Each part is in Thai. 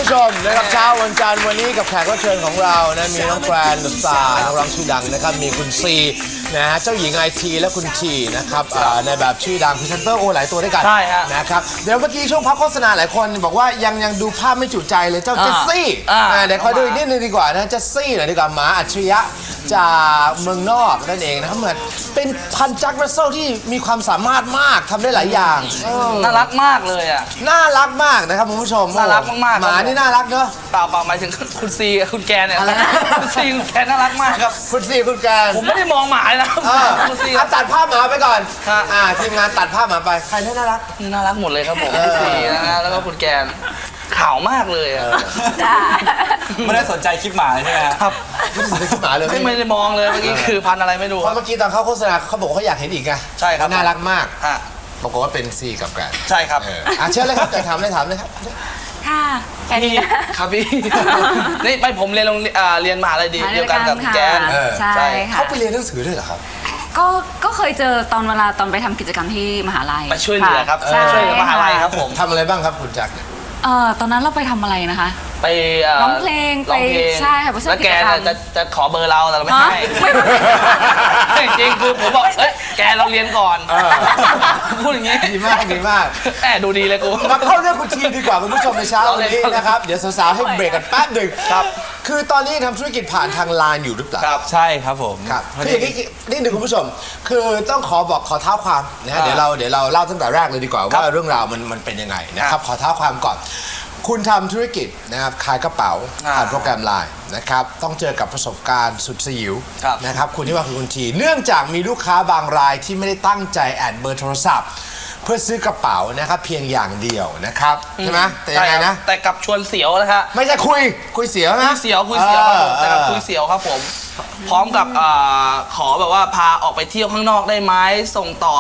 ชมนะครับเช้าวันจันทร์วันนี้กับแขกรับเชิญของเรานะมีน้องแกรนด์สตาร์นักร้องชื่อดังนะครับมีคุณซีนะฮะเจ้าหญิงไอทีและคุณทีนะครับในแบบชื่อดังพรีเซนเตอร์โอหลายตัวด้วยกันใช่ฮะนะครับเดี๋ยวเมื่อกี้ช่วงพักโฆษณาหลายคนบอกว่ายังดูภาพไม่จุใจเลยเจ้าเจสซี่เดี๋ยวขอดูอีกนิดนึงดีกว่านะเจสซี่หน่อยดีกว่าหมาอัจฉริยะจากเมืองนอกนั่นเองนะครับเหมือนเป็นพันจักรรัสเซลที่มีความสามารถมากทำได้หลายอย่างน่ารักมากเลยอ่ะน่ารักมากนะครับคุณผู้ชมน่ารักมากๆหมานี่น่ารักเนอะเปล่าหมายถึงคุณซีกับคุณแกเนี่ยคุณซีคุณแกน่ารักมากครับคุณซีคุณแกผมไม่ได้มองหมาเลยนะคุณซีตัดภาพหมาไปก่อนทีมงานตัดภาพหมาไปใครน่ารักน่ารักหมดเลยครับผมคุณซีนะฮะแล้วก็คุณแกนขาวมากเลยอ่ะไม่ได้สนใจคลิปหมาใช่ไหมครับไม่ได้สนใจคลิปหมาเลยไม่ได้มองเลยเมื่อกี้คือพันอะไรไม่รู้เพราะเมื่อกี้ตอนเขาโฆษณาเขาบอกเขาอยากเห็นอีกไงใช่ครับน่ารักมากปรากฏว่าเป็นซีกับแกนใช่ครับเชิญเลยครับจะถามเลยครับค่ะพี่ครับพี่นี่ไปผมเรียนมหาลัยเดียวกันกับแกนใช่ค่ะเขาไปเรียนหนังสือด้วยเหรอครับก็เคยเจอตอนเวลาตอนไปทำกิจกรรมที่มหาลัยไปช่วยเหลือครับช่วยเหลือมหาลัยครับผมทำอะไรบ้างครับคุณจักรตอนนั้นเราไปทำอะไรนะคะไปร้องเพลงไปใช่ค่ะแล้วแกจะขอเบอร์เราแต่เราไม่ให้จริงคือผมบอกเอ้ยแกเราเรียนก่อนพูดอย่างนี้ดีมากแอบดูดีเลยกูมาเข้าเรื่องคุณทีดีกว่าคุณผู้ชมในเช้าวันนี้นะครับเดี๋ยวสาวๆให้เบรกกันแป๊บหนึ่งครับคือตอนนี้ทำธุรกิจผ่านทางไลน์อยู่หรือเปล่าครับใช่ครับผมครับคืออย่างนี้นี่หนึ่งคุณผู้ชมคือต้องขอเท้าความนะฮะเดี๋ยวเราเล่าตั้งแต่แรกเลยดีกว่าว่าเรื่องราวมันเป็นยังไงนะครับขอเท้าความก่อนคุณทำธุรกิจนะครับขายกระเป๋าผ่านโปรแกรมไลน์นะครับต้องเจอกับประสบการณ์สุดสยิวนะครับคุณที่ว่าคือคุณทีเนื่องจากมีลูกค้าบางรายที่ไม่ได้ตั้งใจแอดเบอร์โทรศัพท์เพื่อซื้อกระเป๋านะครับเพียงอย่างเดียวนะครับใช่ไหมแต่ยังไงนะแต่กับชวนเสียวนะครับไม่ใช่คุยเสียวนะคุยเสียวแต่กับคุยเสียวครับผมพร้อมกับขอแบบว่าพาออกไปเที่ยวข้างนอกได้ไหมส่งต่อ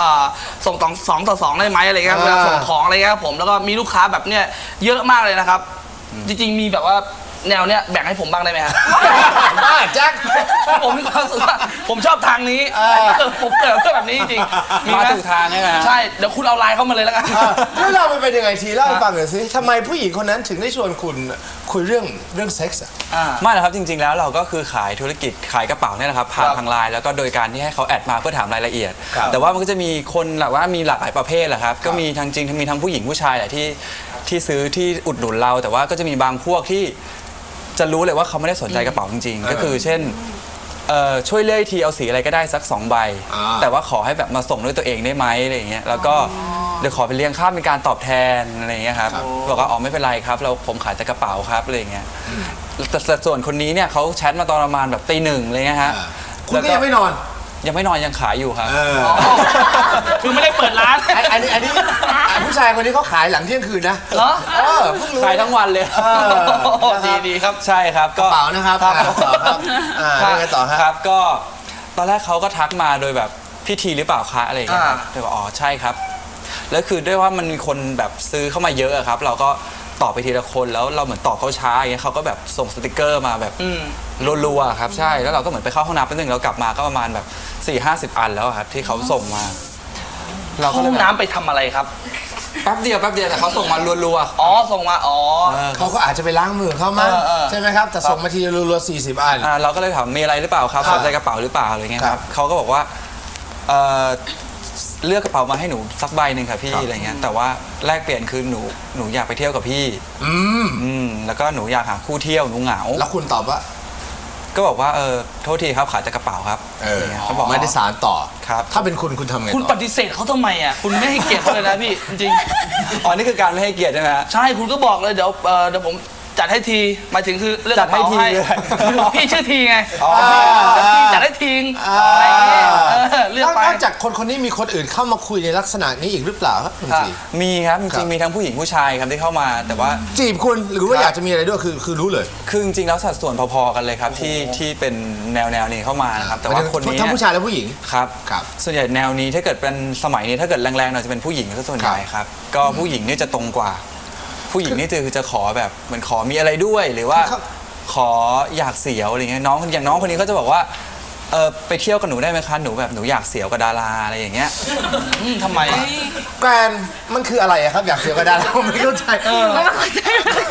2 ต่อ 2ได้ไหมอะไรเงี้ยเวลาส่งของอะไรเงี้ยผมแล้วก็มีลูกค้าแบบเนี้ยเยอะมากเลยนะครับจริงๆมีแบบว่าแนวเนี้ยแบ่งให้ผมบ้างได้ไหมครับบ้าแจ็คผมมีความรู้สึกว่าผมชอบทางนี้ผมเกิดแบบนี้จริงๆมาถูกทางใช่ไหมใช่เดี๋ยวคุณเอาไลน์เข้ามาเลยแล้วกันเรื่องราวมันเป็นยังไงทีเล่าให้ฟังหน่อยสิทำไมผู้หญิงคนนั้นถึงได้ชวนคุณคุยเรื่องเซ็กส์ไม่หรอกครับจริงๆแล้วเราก็คือขายธุรกิจขายกระเป๋าเนี่ยนะครับผ่านทางไลน์แล้วก็โดยการที่ให้เขาแอดมาเพื่อถามรายละเอียดแต่ว่ามันก็จะมีคนแบบว่ามีหลากหลายประเภทแหละครับก็มีทั้งจริงมีทั้งผู้หญิงผู้ชายแหละที่ซื้อที่อุดหนุนเราแต่ว่าก็จะมีบางพวกที่จะรู้เลยว่าเขาไม่ได้สนใจกระเป๋าจริงๆก็คือเช่นช่วยเลือกทีเอาสีอะไรก็ได้สัก2 ใบแต่ว่าขอให้แบบมาส่งด้วยตัวเองได้ไหมอะไรอย่างเงี้ยแล้วก็เดี๋ยวขอไปเลี้ยงค่าเป็นการตอบแทนอะไรอย่างเงี้ยครับบอกว่าอ๋อไม่เป็นไรครับผมขายแต่กระเป๋าครับอะไรอย่างเงี้ยแต่ส่วนคนนี้เนี่ยเขาแชทมาตอนประมาณแบบตี 1อะไรเงี้ยฮะคุณก็ยังไม่นอนยังขายอยู่ครับคือไม่ได้เปิดร้านอันนี้ผู้ชายคนนี้เขาขายหลังเที่ยงคืนนะเหรอขายทั้งวันเลยดีครับใช่ครับกระเป๋านะครับยังไงต่อครับก็ตอนแรกเขาก็ทักมาโดยแบบพิธีหรือเปล่าคะอะไรอย่างเงี้ยครับเลยบอกอ๋อใช่ครับแล้วคือด้วยว่ามันมีคนแบบซื้อเข้ามาเยอะครับเราก็ตอบไปทีละคนแล้วเราเหมือนตอบเขาช้าอย่างเงี้ยเขาก็แบบส่งสติกเกอร์มาแบบรัวๆครับใช่แล้วเราก็เหมือนไปเข้าห้องน้ำแป๊บนึงเรากลับมาก็ประมาณแบบ40-50 อันแล้วครับที่เขาส่งมาเราก็ห้องน้ำไปทำอะไรครับแป๊บเดียวแต่เขาส่งมารัวๆส่งมาเขาก็อาจจะไปล้างมือเขามั้งใช่ไหมครับแต่ส่งมาทีรัวๆ40 อันเราก็เลยถามมีอะไรหรือเปล่าครับสนใจกระเป๋าหรือเปล่าอะไรเงี้ยครับเขาก็บอกว่าเลือกกระเป๋ามาให้หนูสักใบหนึ่งค่ะพี่อะไรเงี้ยแต่ว่าแลกเปลี่ยนคือหนูอยากไปเที่ยวกับพี่แล้วก็หนูอยากหาคู่เที่ยวหนูเหงาแล้วคุณตอบว่าก็บอกว่าโทษทีครับขายแต่กระเป๋าครับเขาบอกไม่ได้สารต่อครับถ้าเป็นคุณทำไงคุณปฏิเสธเขาทำไมอ่ะคุณไม่ให้เกียรติเขาเลยนะพี่จริงอ๋อนี่คือการไม่ให้เกียรติใช่ไหมใช่คุณก็บอกเลยเดี๋ยวผมจัดให้ทีหมายถึงคือเลือกจัดให้ทีพี่ชื่อทีไงพี่จัดให้ทีอะไรเงี้ยเลือกไปนอกจากคนนี้มีคนอื่นเข้ามาคุยในลักษณะนี้อีกหรือเปล่าครับคุณทีมีครับจริงๆมีทั้งผู้หญิงผู้ชายครับที่เข้ามาแต่ว่าจีบคุณหรือว่าอยากจะมีอะไรด้วยคือรู้เลยคือจริงๆแล้วสัดส่วนพอๆกันเลยครับที่เป็นแนวนี้เข้ามานะครับแต่ว่าคนนี้ทั้งผู้ชายและผู้หญิงครับส่วนใหญ่แนวนี้ถ้าเกิดเป็นสมัยนี้ถ้าเกิดแรงๆหน่อยจะเป็นผู้หญิงซะส่วนใหญ่ครับก็ผู้หญิงนี่จะตรงกว่าผู้หญิงนี่คือจะขอแบบเหมือนขอมีอะไรด้วยหรือว่าขออยากเสียวอะไรเงี้ยอย่างน้องคนนี้เขาจะบอกว่าไปเที่ยวกับหนูได้ไหมคะหนูแบบหนูอยากเสียวกับดาราอะไรอย่างเงี้ยทำไมแกรนมันคืออะไรครับอยากเสียวกับดาราไม่เข้าใจ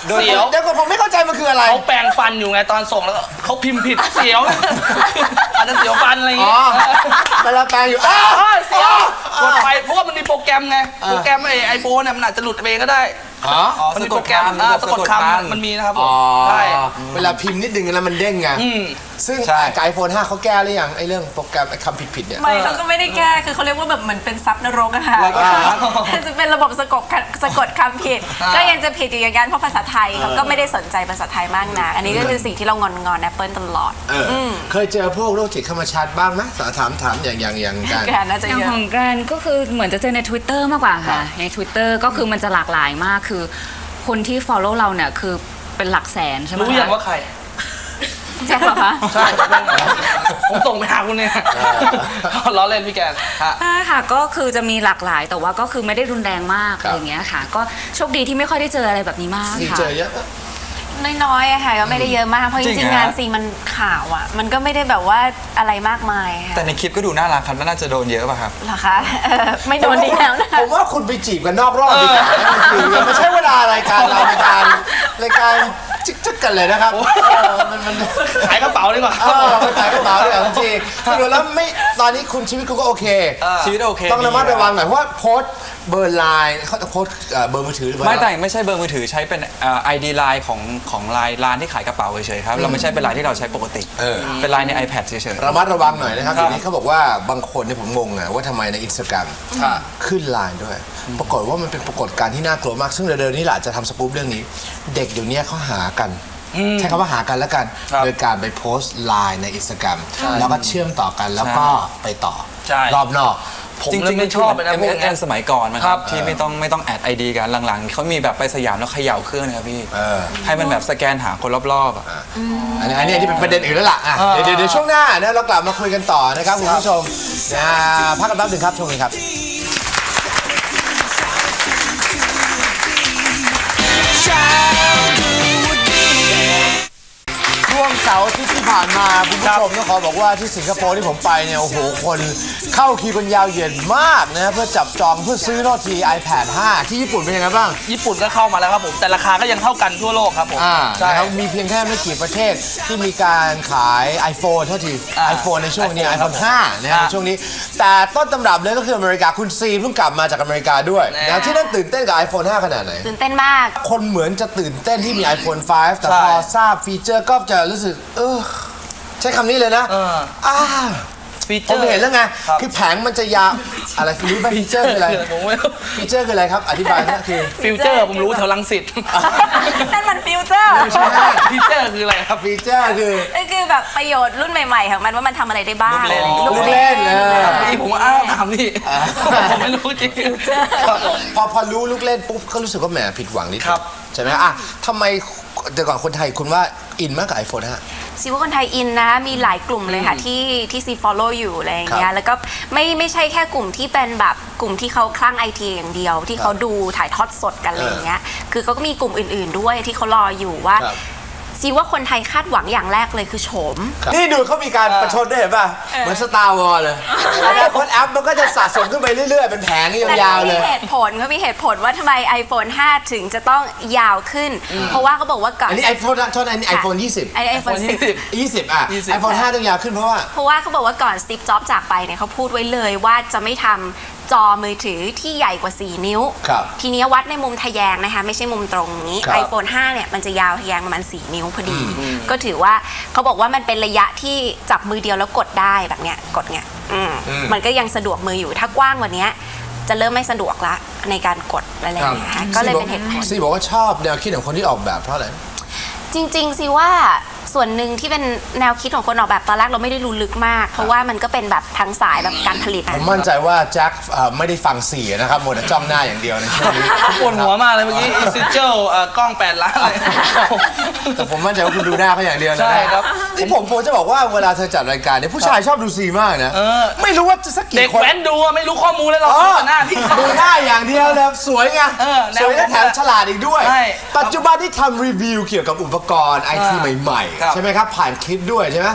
เสียวเดี๋ยวก่อนผมไม่เข้าใจมันคืออะไรเขาแปรงฟันอยู่ไงตอนส่งแล้วก็เขาพิมพ์ผิดเสียว อาจจะเสียวฟันอะไรอย่างอ๋อเงี้ยเวลาแปลงอยู่เสียวกดไปเพราะว่ามันมีโปรแกรมไงโปรแกรมไอโฟนเนี่ยมันอาจจะหลุดไปเองก็ได้อ๋อมันมีโปรแกรมสะกดคำมันมีนะครับผมอ๋อใช่เวลาพิมพ์นิดนึงแล้วมันเด้งไงซึ่งใช่กับไอโฟน5เขาแก้หรือยังไอเรื่องโปรแกรมไอคำผิดๆเนี่ยไม่เขาก็ไม่ได้แก้ คือเขาเรียกว่าแบบเหมือนเป็นซับนรกอะค่ะแล้วก็จะเป็นระบบสะกดคำผิด ก็ยังจะผิดอยู่อย่างนั้นเพราะภาษาไทยเขาก็ไม่ได้สนใจภาษาไทยมากนะอันนี้ก็คือสิ่งที่เรางอนแอปเปิลตลอดเคยเจอพวกโรคจิตเข้ามาชาร์จบ้างไหมถามอย่างกันแกน่าจะอย่างเยอะของแกรนก็คือเหมือนจะเจอใน Twitter มากกว่าค่ะ ใน Twitter ก็คือมันจะหลากหลายมากคือคนที่ follow เราเนี่ยคือเป็นหลักแสนใช่ไหมรู้อย่างว่าใครแจ็คเหรอคะใช่ผมส่งไปหาคุณเนี่ยล้อเล่นพี่แกนฮะใช่ค่ะก็คือจะมีหลากหลายแต่ว่าก็คือไม่ได้รุนแรงมากอะไรอย่างเงี้ยค่ะ ก็โชคดีที่ไม่ค่อยได้เจออะไรแบบนี้มากที่ค่ะเจอเยอะน้อยๆอะค่ะก็ไม่ได้เยอะมากเพราะจจริริงงๆเหรองานซีมันข่าวอะมันก็ไม่ได้แบบว่าอะไรมากมายค่ะแต่ในคลิปก็ดูน่ารักครับน่าจะโดนเยอะป่ะครับเหรอคะไม่โดนดีแล้วนะผมว่าคุณไปจีบกันนอกรอบดีกว่าไม่ใช่เวลารายการเรารายการจึ๊กกันเลยนะครับมันขายกระเป๋าดีกว่าไปขายกระเป๋าเลยจริงสรุปแล้วไม่ตอนนี้คุณชีวิตคุณก็โอเคชีวิตโอเคต้องระมัดระวังหน่อยเพราะว่าโพสต์เบอร์ไลน์เขาโพสต์เบอร์มือถือหรือเปล่าไม่แต่ไม่ใช่เบอร์มือถือใช้เป็นID ไลน์ของไลน์ร้านที่ขายกระเป๋าเฉยๆครับเราไม่ใช่เป็นไลน์ที่เราใช้ปกติเป็นไลน์ใน iPad เฉยๆระมัดระวังหน่อยนะครับทีนี้เขาบอกว่าบางคนเนี่ยผมงงอะว่าทำไมในอินสตาแกรมขึ้นไลน์ด้วย ปรากฏว่ามันเป็นปรากฏการณ์ที่น่ากลัวมาก ซึ่งเร็วๆนี้แหละจะทำสกู๊ปเรื่องนี้ เด็กเดี๋ยวนี้เขาหากัน ใช้คำว่าหากันแล้วกัน โดยการไปโพสต์ไลน์ในอินสตาแกรมแล้วก็เชื่อมต่อกันแล้วก็ไปต่อใช่รอบนอกผมจริงๆไม่ชอบเลยนะพวกนี้ MSN สมัยก่อนนะคครัรับบ ที่ไม่ต้องแอด ID กันหลังๆเขามีแบบไปสยามแล้วเขย่าเครื่องนะครับพี่ให้มันแบบสแกนหาคนรอบๆอะอันนี้เป็นประเด็นอื่นแล้วล่ะเดี๋ยวช่วงหน้านะเรากลับมาคุยกันต่อนะครับคุณผู้ชมพักกันแป๊บหนึงครับช่วงนี้ครับ ช่วงเสาร์อาทิตย์ที่ผ่านมาคุณผู้ชมต้องขอบอกว่าที่สิงคโปร์ที่ผมไปเนี่ยโอ้โหคนเข้าคิวกันยาวเหยียดมากนะเพื่อจับจองเพื่อซื้อโน้ตที iPad 5 ที่ญี่ปุ่นเป็นยังไงบ้างญี่ปุ่นก็เข้ามาแล้วครับผมแต่ราคาก็ยังเท่ากันทั่วโลกครับผมใช่นะครับมีเพียงแค่ไม่กี่ประเทศที่มีการขาย iPhone เท่าที iPhone ในช่วงนี้ iPhone 5 นะครับในช่วงนี้ แต่ต้นตำรับเลยก็คืออเมริกาคุณซีเพิ่งกลับมาจากอเมริกาด้วยนะที่นั่นตื่นเต้นกับ iPhone 5 ขนาดไหนตื่นเต้นมากคนเหมือนจะตื่นเต้นที่มี iPhone 5 แต่พอทราบฟีเจอร์ก็จะรู้สึกใช้คำนี้เลยนะฟีเจผอมร์เห็นแล้วไงคือแผงมันจะยาวอะไรรู้ไหมฟีเจอร์คืออะไรผมไม่รู้ฟีเจอร์คืออะไรครับอธิบายนะคือฟิวเจอร์ผมรู้แถวลังสิตนั่นมันฟิวเจอร์ไม่ใช่ฟีเจอร์คืออะไรครับฟีเจอร์คือนั่นคือแบบประโยชน์รุ่นใหม่ๆของมันว่ามันทำอะไรได้บ้างลูกเล่นเมื่อกี้ผมว่าถามนี่ผมไม่รู้จริงครับผมพอรู้ลูกเล่นปุ๊บก็รู้สึกว่าแหมผิดหวังนิดนึงครับใช่ไหมทำไมแต่ก่อนคนไทยคุณว่าอินมากกับ iPhone 5 ซีว่าคนไทยอินนะมีหลายกลุ่มเลยค่ะที่ซี follow อยู่อะไรอย่างเงี้ครัยบแล้วก็ไม่ใช่แค่กลุ่มที่เป็นแบบกลุ่มที่เขาคลั่งไอทีอย่างเดียว ที่เขาดูถ่ายทอดสดกันอะไรอย่างเงี้ยคือเขาก็มีกลุ่มอื่นๆด้วยที่เขารออยู่ว่าซีว่าคนไทยคาดหวังอย่างแรกเลยคือโฉมนี่ดูเขามีการประชดด้วยเห็นป่ะเหมือนสตาร์วอลเลยอนาคตแอปมันก็จะสะสมขึ้นไปเรื่อยๆเป็นแผงยาวๆเลยแต่เขามีเหตุผลว่าทำไม iPhone 5 ถึงจะต้องยาวขึ้น เพราะว่าเขาบอกว่าก่อนอันนี้ iPhone โทษนะอันนี้ iPhone 20 iPhone 10 20 iPhone 5 ต้องยาวขึ้นเพราะว่าเพราะว่าเขาบอกว่าก่อนสตีฟจ็อบส์จากไปเนี่ยเขาพูดไว้เลยว่าจะไม่ทำจอมือถือที่ใหญ่กว่า 4 นิ้วครับทีนี้วัดในมุมทะแยงนะคะไม่ใช่มุมตรงนี้ครับ iPhone 5 เนี่ยมันจะยาวทะแยงประมาณ 4 นิ้วพอดี ก็ถือว่าเขาบอกว่ามันเป็นระยะที่จับมือเดียวแล้วกดได้แบบเนี้ยกดเนี้ยมันก็ยังสะดวกมืออยู่ถ้ากว้างกว่านี้จะเริ่มไม่สะดวกละในการกดอะไรอย่างเงี้ยค่ะก็เลยเป็นเหตุผลซีบอกว่าชอบแนวคิดของคนที่ออกแบบเพราะอะไรจริงๆสิว่าส่วนหนึ่งที่เป็นแนวคิดของคนออกแบบตอนแรกเราไม่ได้รู้ลึกมาก เพราะว่ามันก็เป็นแบบทางสายแบบการผลิตผมมั่นใจว่าแจ็คไม่ได้ฟัง4นะครับหมดแต่จ้องหน้าอย่างเดียวในช่วงนี้ปวดหัวมากเลยเมื่อกี้อินซิเจลกล้อง8 ล้านเลยแต่ผมมั่นใจว่าคุณดูหน้าเขาอย่างเดียวนะใช่ครับที่ผมจะบอกว่าเวลาเธอจัดรายการเนี่ยผู้ชายชอบดูซีมากนะไม่รู้ว่าจะสักเด็กี่กคนแว้นดูไม่รู้ข้อมูลเลยเราดูแต่หน้าพี่ดูหน้าอย่างเดียวเลยสวยไงแนวสวยและแถมฉลาดอีกด้วยใช่ปัจจุบันที่ทำรีวิวเกี่ยวกับอุปกรณ์ไอทีใหม่ครับๆ ใช่ไหมครับ ผ่านคลิปด้วยใช่ไหม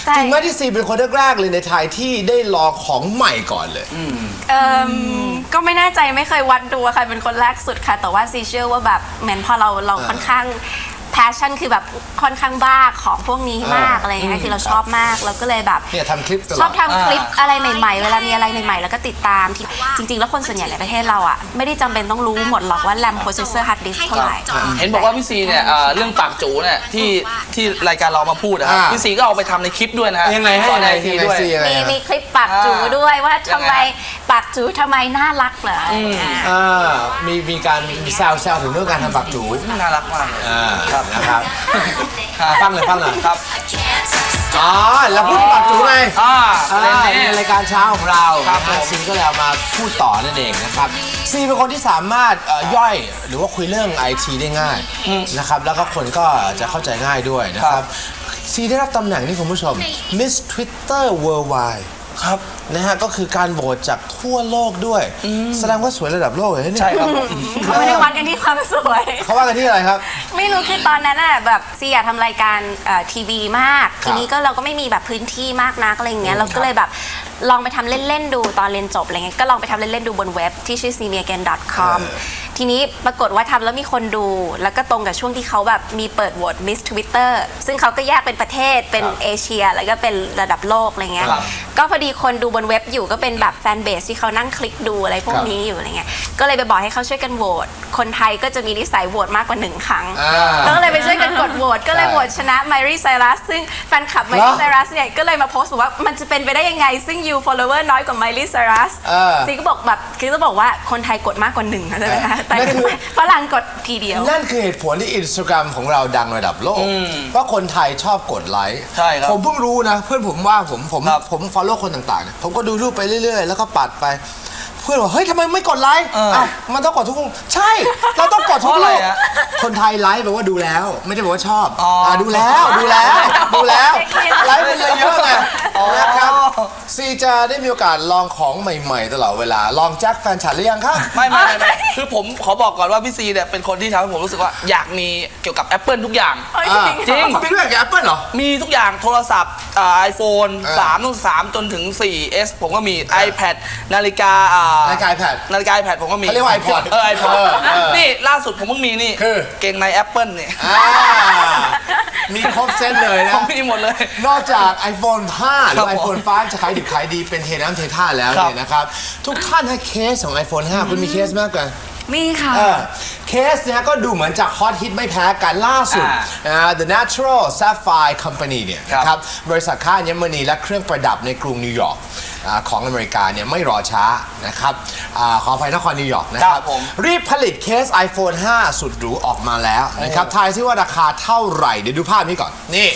ใช่จริงไหมที่ซีเป็นคนแรกๆเลยในไทยที่ได้ลองของใหม่ก่อนเลยก็ไม่แน่ใจไม่เคยวัดดูว่าใครเป็นคนแรกสุดค่ะ แต่ว่าซีเชื่อว่าแบบเหมือนพอเราค่อนข้างแพชชั่นคือแบบค่อนข้างบ้าของพวกนี้มากอะไรอย่างเงี้ยคือเราชอบมากเราก็เลยแบบเนี่ยทำคลิปตลอดชอบทำคลิปอะไรใหม่ๆเวลามีอะไรใหม่ๆแล้วก็ติดตามที่จริงๆแล้วคนส่วนใหญ่ในประเทศเราอ่ะไม่ได้จำเป็นต้องรู้หมดหรอกว่า RAM processor hard disk เท่าไหร่เห็นบอกว่าพี่ซีเนี่ยเรื่องปากจูเนี่ยที่รายการเรามาพูดนะครับพี่ซีก็เอาไปทำในคลิปด้วยนะฮะยังไงให้สอนยังไงในทีด้วยมีคลิปปากจูด้วยว่าทำไมปากจูทำไมน่ารักเหรอมีการมีแซวถึงเรื่องการทำปากจูน่ารักมากเลยนะครับฟังหน่อยครับอ๋อแล้วพูดถึงปากจูไงในในรายการเช้าของเราครับผมซีก็เลยเอามาพูดต่อนั่นเองนะครับซีเป็นคนที่สามารถย่อยหรือว่าคุยเรื่องไอทีได้ง่ายนะครับแล้วก็คนก็จะเข้าใจง่ายด้วยนะครับซีได้รับตำแหน่งนี่คุณผู้ชม Miss Twitter Worldwide ครับนะฮะก็คือการโหวตจากทั่วโลกด้วยแสดงว่าสวยระดับโลกเลยเนี่ยใช่ครับเขาไม่ได้วัดกันที่ความสวยเขาว่ากันที่อะไรครับไม่รู้คือตอนนั้นน่ะแบบซีอยากทำรายการทีวีมาก ทีนี้ก็เราก็ไม่มีแบบพื้นที่มากนักอะไรอย่างเงี้ยเราก็เลยแบบลองไปทำเล่นๆดูตอนเรียนจบอะไรเงี้ยก็ลองไปทำเล่นๆดูบนเว็บที่ชื่อ cmiagain.com ทีนี้ปรากฏว่าทำแล้วมีคนดูแล้วก็ตรงกับช่วงที่เขาแบบมีเปิดโหวต Miss Twitter ซึ่งเขาก็แยกเป็นประเทศเป็นเอเชียแล้วก็เป็นระดับโลกอะไรเงี้ยก็พอดีคนดูบนเว็บอยู่ก็เป็นแบบแฟนเบสที่เขานั่งคลิกดูอะไรพวกนี้อยู่อะไรเงี้ยก็เลยไปบอกให้เขาช่วยกันโหวตคนไทยก็จะมีนิสัยโหวตมากกว่า1 ครั้งแล้วก็เลยไปช่วยกันกดโหวตก็เลยโหวตชนะไมรี่ไซรัสซึ่งแฟนคลับไมรี่ไซรัสเนี่ยก็เลยมาโพสต์บอกว่ามันจะเป็นไปได้ยังไงซึ่ง you follower น้อยกว่าไมรี่ไซรัสซีก็บอกแบบคือจะบอกว่าคนไทยกดมากกว่า1ใช่ไหมคะแต่ฝรั่งกดทีเดียวนั่นคือเหตุผลที่ Instagram ของเราดังระดับโลกเพราะคนไทยชอบกดไลค์ใช่ครับผมเพิ่งรู้นะเพื่อนผมว่าผมครับ follow คนต่างๆเนี่ยผมก็ดูรูปไปเรื่อยๆ แล้วก็ปัดไป เพื่อนบอกเฮ้ยทำไมไม่กดไลค์อ้าวมันต้องกดทุกรูปใช่เราต้องกดทุกเพราะรูอะไรปอะคนไทยไลค์แปลว่าดูแล้ว ไม่ได้แปลว่าชอบอ๋ออ่ดูแล้วไลค์เป็นเยอะๆไงนะครับซีจะได้มีโอกาสลองของใหม่ๆตลอดเวลาลองแจ็คแฟนฉันหรือยังครับไม่คือผมขอบอกก่อนว่าพี่ซีเนี่ยเป็นคนที่ทำให้ผมรู้สึกว่าอยากมีเกี่ยวกับ Apple ทุกอย่าง จริงคุณเป็นเรื่องกับ Apple เหรอมีทุกอย่างโทรศัพท์iPhone 3ตั้ง3จนถึง 4S ผมก็มี iPad นาฬิกานาฬิกา iPad นาฬิกา iPad ผมก็มีเขาเรียกว่า iPod iPod นี่ล่าสุดผมเพิ่งมีนี่คือเกงใน Apple เนี่ยมีครบเซตเลยนะผมมีหมดเลยนอกจาก iPhone 5 หรือครับผม iPhone 5 จะขายดิบขายดีเป็นเทน้ำเทท่าแล้วครับเนี่ยนะครับ ทุกท่านให้เคสของ iPhone 5 คุณมีเคสมากกว่ามีค่ะเคสเนี่ยก็ดูเหมือนจะฮอตฮิตไม่แพ้กันล่าสุด The Natural Sapphire Company เนี่ยนะครับบริษัทค้าอัญมณีและเครื่องประดับในกรุงนิวยอร์กของอเมริกาเนี่ยไม่รอช้านะครับขออภัยนครนิวยอร์กนะครับรีบผลิตเคส iPhone 5 สุดหรูออกมาแล้วนะครับทายซิว่าราคาเท่าไหร่เดี๋ยวดูภาพนี้ก่อนนี่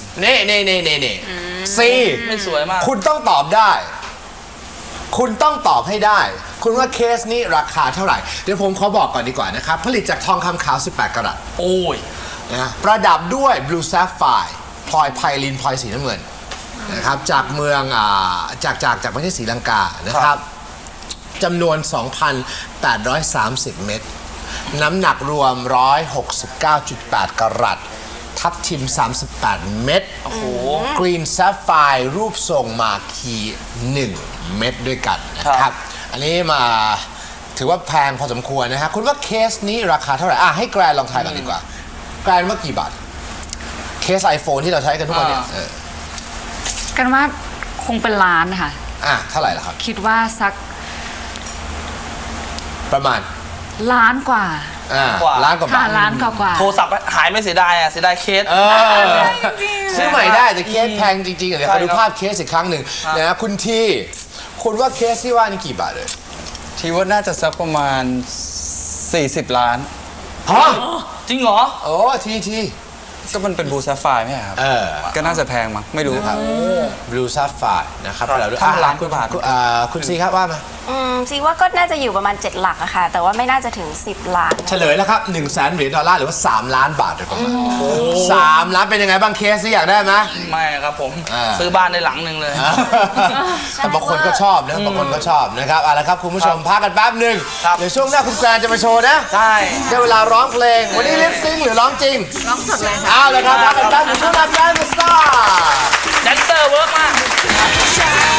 ซีไม่สวยมากคุณต้องตอบได้ คุณต้องตอบให้ได้ คุณว่าเคสนี้ราคาเท่าไหร่ เดี๋ยวผมขอบอกก่อนดีกว่านะครับ ผลิตจากทองคำขาว 18 กะรัตโอ้ยนะประดับด้วย Blue Sapphire พลอยไพลินพลอยสีน้ำเงินนะครับจากเมืองจากประเทศศรีลังกานะครับจำนวน 2,830 เม็ดน้ำหนักรวม 169.8 กะรัตทับทิม 38 เม็ดกรีนแซฟไฟร์รูปทรงมาคี1 เม็ดด้วยกันนะครับ อันนี้มาถือว่าแพงพอสมควรนะฮะคุณว่าเคสนี้ราคาเท่าไหร่ให้แกรนลองทายก่อนดีกว่าแกรนว่ากี่บาทเคส iPhone ที่เราใช้กันทุกวันเนี่ยกันว่าคงเป็นล้านค่ะเท่าไหร่ล่ะครับคิดว่าสักประมาณล้านกว่าล้านกว่าบาทล้านกว่าโทรศัพท์หายไม่เสียดายเสียดายเคสซื้อใหม่ได้แต่เคสแพงจริงๆเดี๋ยวขอดูภาพเคสอีกครั้งหนึ่งนะคุณที่คุณว่าเคสที่ว่านี่กี่บาทเลยที่ว่าน่าจะสักประมาณ40 ล้านฮะจริงเหรอโอ้ทีก็มันเป็นบูซาไฟไม่ใช่ครับ ก็น่าจะแพงมั้งไม่รู้ครับ Blue Sapphire นะครับเราดูล้านกว่าบาทคุณซีครับว่ามาซีว่าก็น่าจะอยู่ประมาณ7 หลักอะค่ะแต่ว่าไม่น่าจะถึง10 ล้านเฉลยแล้วครับ$100,000หรือว่า3 ล้านบาทเลยครับ3 ล้านเป็นยังไงบ้างเคสที่อยากได้ไหมไม่ครับผมซื้อบ้านในหลังหนึ่งเลยแต่บางคนก็ชอบนะบางคนก็ชอบนะครับเอาละครับคุณผู้ชมพักกันแป๊บหนึ่งเดี๋ยวช่วงหน้าคุณแกรนจะมาโชว์นะใช่ได้เวลาร้องเพลงวันนี้ลิปซิงค์หรือร้องจริงร้องสดเลยค่ะเอาละครับพักกันแป๊บนึงช่วงหน้าพี่ไอ้มาสตาร์แดนเซอร์เวิร์กมาก